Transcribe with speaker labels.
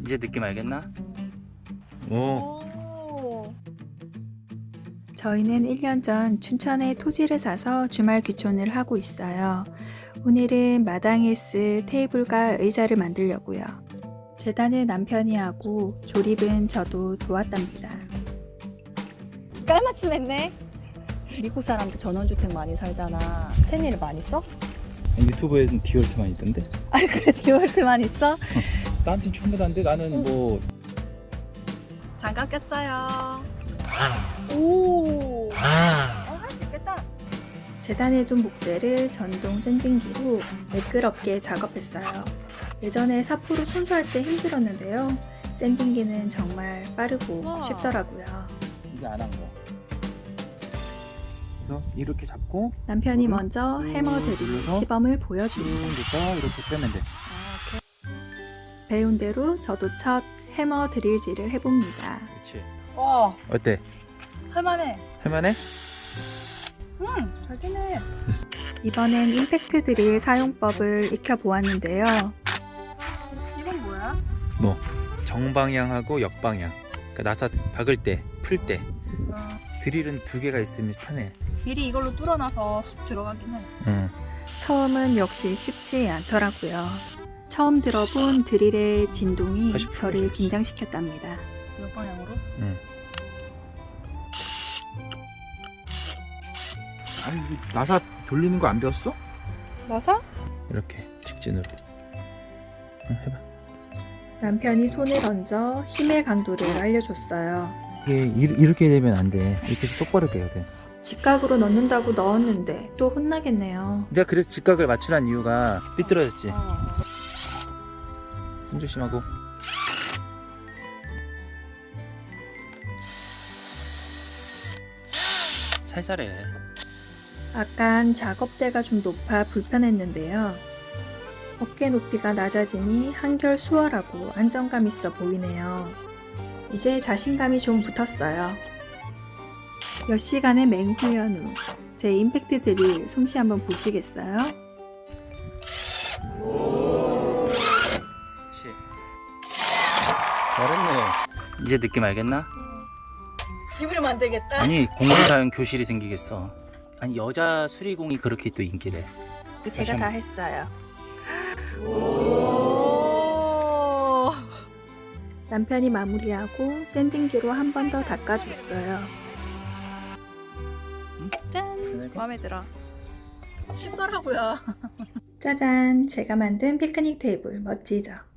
Speaker 1: 이제 느낌 알겠나?
Speaker 2: 오.
Speaker 3: 저희는 1년 전 춘천에 토지를 사서 주말 귀촌을 하고 있어요. 오늘은 마당에 쓸 테이블과 의자를 만들려고요. 재단은 남편이 하고 조립은 저도 도왔답니다.
Speaker 4: 깔맞춤 했네. 미국 사람들 전원주택 많이 살잖아. 스탠리를 많이 써?
Speaker 2: 유튜브에는 디월트만 있던데?
Speaker 4: 아니 그래 디월트만 있어?
Speaker 2: 나한텐 충분한데 나는 뭐
Speaker 4: 장갑 꼈어요. 오. 할 수 있겠다.
Speaker 3: 재단에 둔 목재를 전동 샌딩기로 매끄럽게 작업했어요. 예전에 사포로 손수할 때 힘들었는데요. 샌딩기는 정말 빠르고
Speaker 4: 우와.
Speaker 3: 쉽더라고요.
Speaker 2: 이제 안 한 거. 그래서 이렇게 잡고
Speaker 3: 남편이
Speaker 2: 이거를
Speaker 3: 먼저 해머 드릴
Speaker 2: 눌러서
Speaker 3: 시범을
Speaker 2: 쭉
Speaker 3: 보여줍니다.
Speaker 2: 됐다 이렇게 빼면 돼.
Speaker 3: 배운 대로 저도 첫 해머 드릴질을 해봅니다.
Speaker 2: 그렇지.
Speaker 4: 와
Speaker 2: 어때?
Speaker 4: 할만해.
Speaker 2: 할만해?
Speaker 4: 잘 되네.
Speaker 3: 이번엔 임팩트 드릴 사용법을 익혀보았는데요.
Speaker 4: 이건 뭐야?
Speaker 2: 뭐 정방향하고 역방향. 그러니까 나사 박을 때, 풀 때 드릴은 두 개가 있으면 편해.
Speaker 4: 미리 이걸로 뚫어놔서 훅 들어가긴 해.
Speaker 2: 응.
Speaker 3: 처음은 역시 쉽지 않더라고요. 처음 들어본 드릴의 진동이
Speaker 2: 다시
Speaker 3: 저를
Speaker 2: 풀어주세요.
Speaker 3: 긴장시켰답니다.
Speaker 4: 몇 방향으로?
Speaker 2: 응. 아니 이거 나사 돌리는 거 안 배웠어?
Speaker 4: 나사?
Speaker 2: 이렇게 직진으로. 응, 해봐.
Speaker 3: 남편이 손을 얹어 힘의 강도를 알려줬어요.
Speaker 2: 이게 이렇게 되면 안 돼. 이렇게 해서 똑바로 돼야 돼.
Speaker 3: 직각으로 넣는다고 넣었는데 또 혼나겠네요.
Speaker 2: 내가 그래서 직각을 맞추란 이유가 삐뚤어졌지. 손 조심하고.
Speaker 1: 살살해.
Speaker 3: 아깐 작업대가 좀 높아 불편했는데요. 어깨 높이가 낮아지니 한결 수월하고 안정감 있어 보이네요. 이제 자신감이 좀 붙었어요. 몇 시간의 맹훈련 후 제 임팩트 드릴 솜씨 한번 보시겠어요?
Speaker 1: 그렇지.
Speaker 2: 잘했네.
Speaker 1: 이제 느낌 알겠나?
Speaker 4: 집을 만들겠다.
Speaker 1: 아니 공사용 교실이 생기겠어. 아니 여자 수리공이 그렇게 또 인기래.
Speaker 4: 제가 다 했어요.
Speaker 3: 남편이 마무리하고 샌딩기로 한 번 더 닦아줬어요.
Speaker 4: 짠. 마음에 들어. 쉽더라고요.
Speaker 3: 짜잔! 제가 만든 피크닉 테이블 멋지죠?